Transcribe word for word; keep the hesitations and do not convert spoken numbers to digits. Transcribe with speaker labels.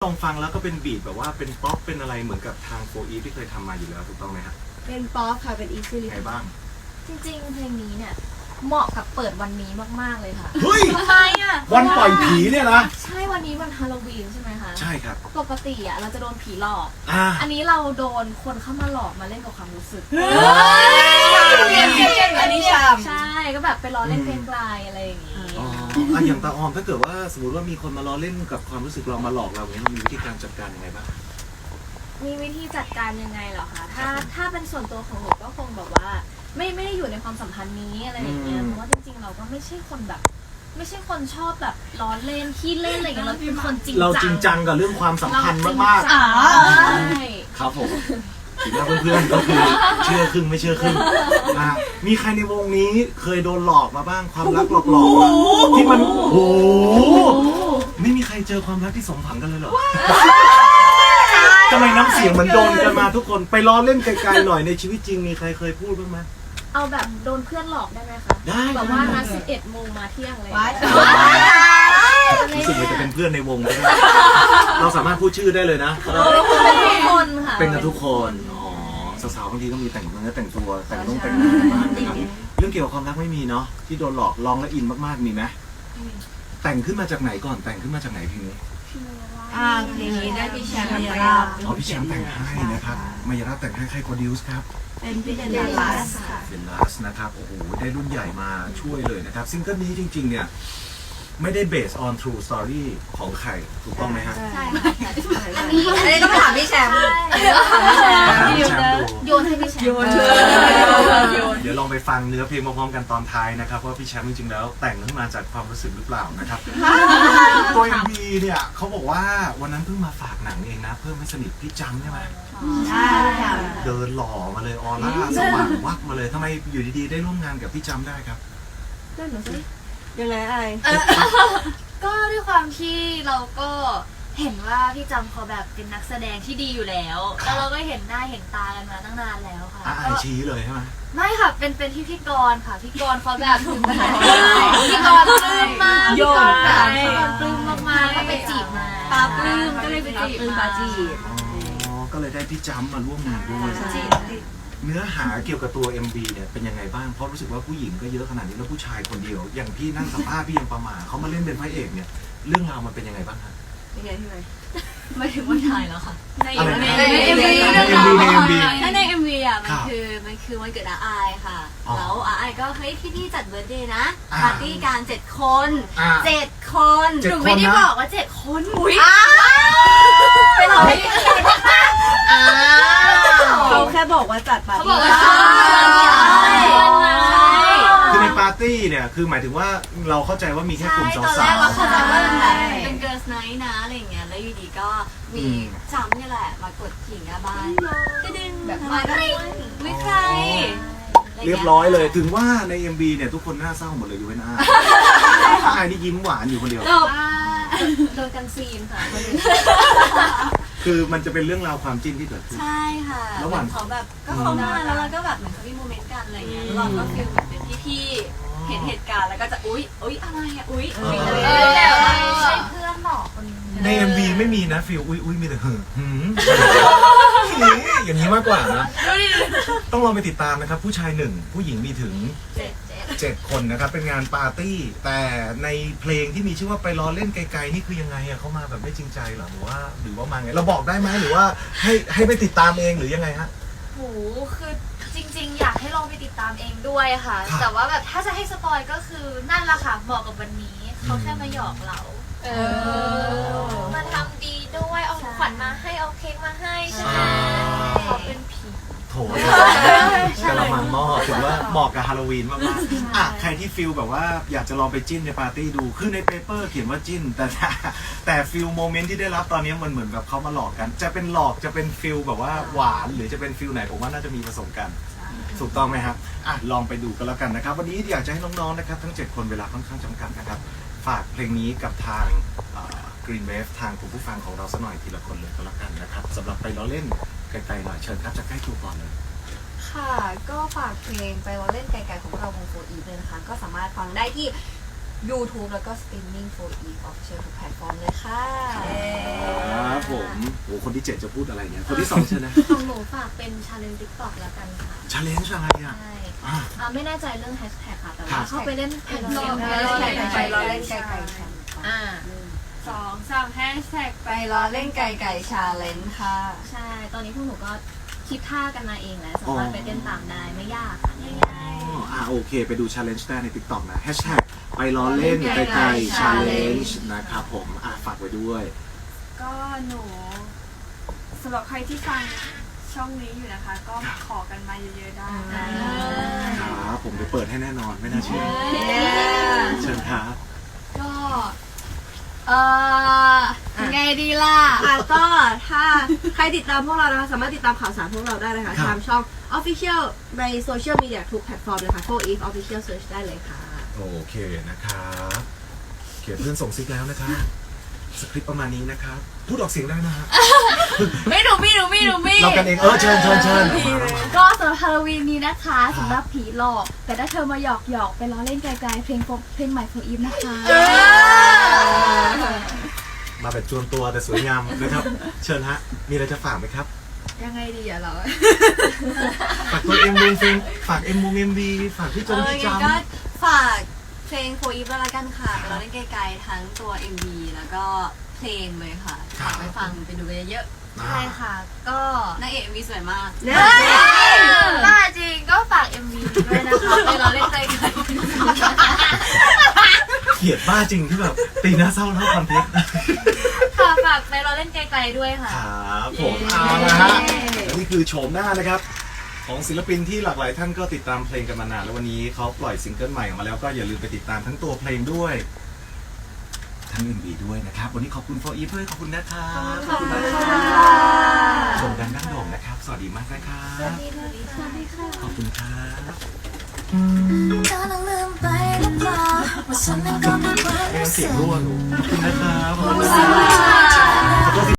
Speaker 1: ลองฟังแล้วก็เป็นบีทแบบว่าเป็นป๊อปเป็นอะไรเหมือนกับทางโฟอีฟที่เคยทำมาอยู่แล้วถูกต้องไหมครับ
Speaker 2: เป็นป๊อปค่ะเป็นอีซี่ลิส
Speaker 1: ไงบ้าง
Speaker 3: จริงๆเพลงนี้เนี่ยเหมาะกับเปิดวันนี้มากๆเลยค่ะ
Speaker 1: เฮ้ย
Speaker 3: ทำไมอ่ะ
Speaker 1: วันปล่อยผีเนี่ยนะ
Speaker 3: ใช่วันนี้วันฮาโลวีนใช่ไหมคะ
Speaker 1: ใช่ครับ
Speaker 3: ปกติอ่ะเราจะโดนผีหลอก
Speaker 1: อ่า
Speaker 3: อันนี้เราโดนคนเข้ามาหลอกมาเล่นกับความรู้สึก
Speaker 2: อันนี้ชาม
Speaker 3: ใช่ก็แบบไปล้อเล่นเพลงไกลอะไรอย่างงี้
Speaker 1: อ๋ออ่ะอย่างตาออมถ้าเกิดว่าสมมติว่ามีคนมาล้อเล่นกับความรู้สึกเรามาหลอกเราเนี่ยเรามีวิธีการจัดการยังไงบ้าง
Speaker 3: มีวิธีจัดการยังไงเหรอคะถ้าถ้าเป็นส่วนตัวของหนูก็คงแบบว่าไม่ไม่ได้อยู่ในความสัมพันธ์นี้อะไรอย่างเงี้ยเพราะว่าจริงๆเราก็ไม่ใช่คนแบบไม่ใช่คนชอบแบบล้อเล่นขี้เล่นอะไรอย่างเงี้ยเราเป็นคนจริงจัง
Speaker 1: เราจริงจังกับเรื่องความสัมพันธ์มาก
Speaker 3: ๆใช่
Speaker 1: ครับผมถึงแม้เพื่อนๆก็คือเชื่อครึ่งไม่เชื่อครึ่งนะมีใครในวงนี้เคยโดนหลอกมาบ้างความรักหลอกๆที่มันโอ้โหไม่มีใครเจอความรักที่สมหวังกันเลยเหรอทำไมน้ำเสียงเหมือนโดนกันมาทุกคนไปล้อเล่นไกลๆหน่อยในชีวิตจริงมีใครเคยพูดบ้างไหม
Speaker 3: เอาแบบโดนเพื่อนหลอกได้ไหมคะ
Speaker 1: ได้
Speaker 3: แบบว่านัดสิบเอ็ดโมงมาเที่ยงเลย
Speaker 1: รู้สึกว่าจะเป็นเพื่อนในวงได้เราสามารถพูดชื่อได้เลยนะ
Speaker 3: เป็นทุกคนค่ะ
Speaker 1: เป็นกันทุกคนอ๋อสาวๆบางทีก็มีแต่งเนื้อแต่งตัวแต่งต้องแต่งหน้าบ้างนะครับเรื่องเกี่ยวกับความรักไม่มีเนาะที่โดนหลอกลองและอินมากๆมีไหมแต่งขึ้นมาจากไหนก่อนแต่งขึ้นมาจากไหนเพลงนี้
Speaker 2: อ่าเพลงนี้ได้พี่แชมป์มายาลาบ
Speaker 1: อ๋อพี่แชมป์แต่งให้นะครับมายาลาบแต่งให้ใครโปรดิวส์ครับ
Speaker 2: เป็นพี่เดนลัสค่ะ
Speaker 1: เดนลัสนะครับโอ้โหได้รุ่นใหญ่มาช่วยเลยนะครับซิงเกิลนี้จริงๆเนี่ยไม่ได้ based on true story ของใครถูกต้องไหมฮะ
Speaker 3: ใช่
Speaker 2: อันนี้อันนี้ต้องไปถามพี่แชมป์
Speaker 1: ถามพี่แชมป์
Speaker 3: โยนให้พี่แชมป์โยน
Speaker 1: เดี๋ยวลองไปฟังเนื้อเพลงพร้อมๆกันตอนท้ายนะครับว่าพี่แชมป์จริงๆแล้วแต่งขึ้นมาจากความรู้สึกหรือเปล่านะครับตัว เอ็ม วี เนี่ยเขาบอกว่าวันนั้นเพิ่งมาฝากหนังเองนะเพิ่มให้สนิทพี่จำใช่ไหม
Speaker 2: ใช่ค่ะ
Speaker 1: เดินหล่อมาเลยออร่าสว่างวับมาเลยทำไมอยู่ดีๆได้ร่วมงานกับพี่จำได้ครับ
Speaker 2: ได้หนูสิยังไงไอ
Speaker 3: ก็ด้วยความที่เราก็เห็นว่าพี่จำเขาแบบเป็นนักแสดงที่ดีอยู่แล้วแล้วเราก็เห็นหน้าเห็นตากันมาตั้งนานแล้วค่ะ
Speaker 1: อ่าชี้เลยใช่ไหม
Speaker 3: ไม่ค่ะเป็นเป็นที่พี่กรค่ะพี่กรเขาแบบพี่กรปลื้มมากพี่กรแบบพี่กรปลื้มมากๆก็ไปจีบมา
Speaker 2: ปาปลื้มก็เลยไปจีบปาจีบ
Speaker 1: อ๋อก็เลยได้พี่จำมาร่วมงานด้วยเนื้อหาเกี่ยวกับตัว เอ็ม วี เนี่ยเป็นยังไงบ้างเพราะรู้สึกว่าผู้หญิงก็เยอะขนาดนี้แล้วผู้ชายคนเดียวอย่างพี่นั่งสัมภาษณ์พี่ยังประมาเขามาเล่นเป็นพระเอกเนี่ยเรื่องราวมันเป็นยังไงบ้างครับ
Speaker 2: ยังไงพี่ไหม
Speaker 3: ไม่ถึงว่าถ่ายแล้วค่ะ
Speaker 2: ในในเอ็มวี
Speaker 1: ในเอ็มวีในเอ็มวี
Speaker 3: ถ้าในเอ็มวีอ่ะมันคือมันคือวันเกิดอาไอค่ะแล้วอาไอก็เฮ้ยพี่พี่จัดเบิร์ธเดย์นะปาร์ตี้การเจ็ดคนเจ็ดคนหนูไม่ได้บอกว่าเจ็ดคนอุ้ยเป็นเรา
Speaker 2: เขาแค่บอกว่าจัดปาร์ตี้
Speaker 1: คือในปาร์ตี้เนี่ยคือหมายถึงว่าเราเข้าใจว่ามีแค่กลุ่มสาวๆ
Speaker 3: ตอนแรกเราเข้าใจว่าเป็นเกิร์ลไนท์นะอะไรอย่างเงี้ยแล้วอยู่ดีก็มีจำนี่แหละมากดขิงหน้าบ้านก็ดึงแบบมาก็ไม่ใคร
Speaker 1: เรียบร้อยเลยถึงว่าใน เอ็ม วี เนี่ยทุกคนหน้าเศร้าหมดเลยอยู่เว้นอาอาไอนี่ยิ้มหวานอยู่คนเดียว
Speaker 3: โดนกันซีนค่ะ
Speaker 1: คือมันจะเป็นเรื่องราวความจิ้นที่เกิดขึ้น
Speaker 3: ใช่ค่ะ
Speaker 1: ระหว่าง
Speaker 3: เขาแบบก็เขามาแล้วเราก็แบบเหมือนเขามีโมเมนต์กันอะไรเงี้ยเราก็ฟีลแบบเป็นพี่ๆเห็นเหตุการณ์แล้วก็จะอุ๊ยอุ๊ยอะไรอ่ะอุ๊ยอุ๊ยอะไรใช่เพื่อนหรอกคนนี้
Speaker 1: ใน เอ็ม วี ไม่มีนะฟีลอุ๊ยอุ๊ยมีแต่หืมหืมอย่างนี้มากกว่านะต้องลองไปติดตามนะครับผู้ชายหนึ่งผู้หญิงมีถึงเจ็ดคนนะครับเป็นงานปาร์ตี้แต่ในเพลงที่มีชื่อว่าไปรอเล่นไกลๆนี่คือยังไงอะเขามาแบบไม่จริงใจหรอหรือว่าหรือว่ามาไงเราบอกได้ไหมหรือว่าให้ให้ไปติดตามเองหรือยังไงฮะ
Speaker 3: โหคือจริงๆอยากให้ลองไปติดตามเองด้วยค่ะแต่ว่าแบบถ้าจะให้สปอยก็คือนั่นแหละค่ะเหมาะกับวันนี้เขาแค่มาหยอกเราเออมาทำดีด้วยเอาขวัญมาให้เอาเค้กมาให้ใช่ไหมเขาเป็นผี
Speaker 1: โถกระมังหม้อถือว่าเหมาะกับฮาโลวีนมากๆอ่ะใครที่ฟิลแบบว่าอยากจะลองไปจิ้นในปาร์ตี้ดูคือในเปเปอร์เขียนว่าจิ้นแต่แต่ฟิลโมเมนต์ที่ได้รับตอนนี้มันเหมือนแบบเขามาหลอกกันจะเป็นหลอกจะเป็นฟิลแบบว่าหวานหรือจะเป็นฟิลไหนผมว่าน่าจะมีผสมกันถูกต้องไหมครับอ่ะลองไปดูกันแล้วกันนะครับวันนี้อยากจะให้น้องๆนะครับทั้งเจ็ดคนเวลาค่อนข้างจำกัดนะครับฝากเพลงนี้กับทางGreen Wave ทางคุณผู้ฟังของเราสักหน่อยทีละคนเลยก็แล้วกันนะครับสำหรับไปล้อเล่นไกลๆหน่อยเชิญครับจะใกล้ตัวก่อนเลย
Speaker 2: ค่ะก็ฝากเพลงไปล้อเล่นไกลๆของเราวงโฟอีฟเลยนะคะก็สามารถฟังได้ที่ YouTube แล้วก็สตรีมมิ่ง โฟร์ อีฟ Official ทุกแพลตฟอร์มเลยค่ะ
Speaker 1: ครับผมโอ้คนที่เจ็ดจะพูดอะไรเนี่ยคนที่สองเชิญนะ
Speaker 3: ของหนูฝากเป็นชาเลนจ์ติ๊กต็อกแล้วกันค่ะ
Speaker 1: ชาเลนจ์อะไรอ่ะ
Speaker 3: ใช่
Speaker 1: อ่ะ
Speaker 3: อ่าไม่แน่ใจเรื่องแฮชแท็กค่ะ แต่
Speaker 1: ครั
Speaker 3: ว่า
Speaker 1: บ
Speaker 3: เข้าไปเล่นเพจ
Speaker 2: ไป
Speaker 3: เกม
Speaker 2: รอ
Speaker 3: ได้
Speaker 2: เล่นไก่ไก่ไปรอเล่นไก่ไก่ชา
Speaker 3: อ่า
Speaker 2: สองสามแฮชแท็กไปรอเล่นไก่ไก่ชาเลนจ์ค่ะ
Speaker 3: ใช่ ตอนนี้พวกหนูก็คิดท่ากันมาเองแล้วสามารถไปเต้นตามได้ไม่ยากค่ะง่าย
Speaker 1: อ๋ออ่ะโอเคไปดูชาเลนจ์ได้ใน TikTok นะแฮชแท็กไปรอเล่นไกลๆชาเลนจ์นะครับผมอ่ะฝากไว้ด้วย
Speaker 4: ก็หนูสำหรับใครที่ฟังช่องนี้อยู่นะคะ ก็ขอกันมาเยอะๆได้
Speaker 2: อ่า
Speaker 1: ครับผมไปเปิดให้แน่นอนไม่น่าเชื่อเชิญครับ
Speaker 4: ก็เอ่อยังไงดีล่ะ
Speaker 2: อ่ะก็ถ้าใครติดตามพวกเรานะคะสามารถติดตามข่าวสารพวกเราได้นะคะทางช่อง Official ในโซเชียลมีเดียทุกแพลตฟอร์มเลยค่ะ โฟร์ อีฟ Official Search ได้เลยค่ะ
Speaker 1: โอเคนะครับเขียนเพื่อนส่งซิกแล้วนะครับสคริปต์ประมาณนี้นะครับพูดออกเสียงได้นะฮะ
Speaker 4: ไม่หนูมีหนูมีหนูมี
Speaker 1: เรากันเองเออเชิญเชิญเชิญ
Speaker 4: ก็สำหรับฮาโลวีนนี้นะคะสำหรับผีหลอก แต่ถ้าเธอมาหยอกหยอกไปล้อเล่นไกลๆเพลงโฟเพลงใหม่โฟอีฟนะคะ
Speaker 1: มาแบบจวนตัวแต่สวยงามนะครับเชิญฮะมีอะไรจะฝากไหมครับ
Speaker 4: ยังไงดีอะเรา
Speaker 1: ฝากตัวเอ็มวงเพลงฝากเอ็มวงเอ็มวีฝากพี่จงพี่จำ
Speaker 2: ก็ฝากเพลงโฟอีฟแล้วกันค่ะไปเราเล่นไกลๆทั้งตัว เอ็ม วี แล้วก็เพลงเลยค่ะฝากไปฟังไปดูกันเยอะ
Speaker 3: ๆ ใช่ค่ะ ก็
Speaker 2: ๆนางเอก เอ็ม วี สวยมาก
Speaker 3: บ้าจริงก็ฝาก เอ็ม วี ด้วยนะคะไปรอเล่นไกล
Speaker 1: เกลียดบ้าจริงที่แบบตีหน้าเศร้าเท่าคอนเทนต์
Speaker 3: ๆค่ะฝากไปรอเล่นไกลๆด้วยค่ะ
Speaker 1: ครับผมเอาละฮะนี่คือโฉมหน้านะครับ ของศิลปินที่หลากหลายท่านก็ติดตามเพลงกันมานานแล้ววันนี้เขาปล่อยซิงเกิลใหม่ออกมาแล้วก็อย่าลืมไปติดตามทั้งตัวเพลงด้วยทั้ง เอ็ม วี ด้วยนะครับวันนี้ขอบคุณโฟอีฟด้วยขอบคุณนะครับขอบคุณนะครับชมกันดั้งโด่งนะครับสวัสดีมากนะครับ
Speaker 3: สวัสดีค่ะ
Speaker 1: ขอบคุณครับ
Speaker 5: กำลังลืมไปหรือเปล่าว่าฉันนั้นก็มีความ
Speaker 1: ไม่งั้
Speaker 5: รู้
Speaker 1: นเสี
Speaker 5: สึ
Speaker 1: ยง
Speaker 5: ก
Speaker 1: รั่วหนูขอบคุณนะครับขอบคุณ
Speaker 5: รู้
Speaker 1: นะค
Speaker 5: สึก
Speaker 1: รับ
Speaker 5: ว่า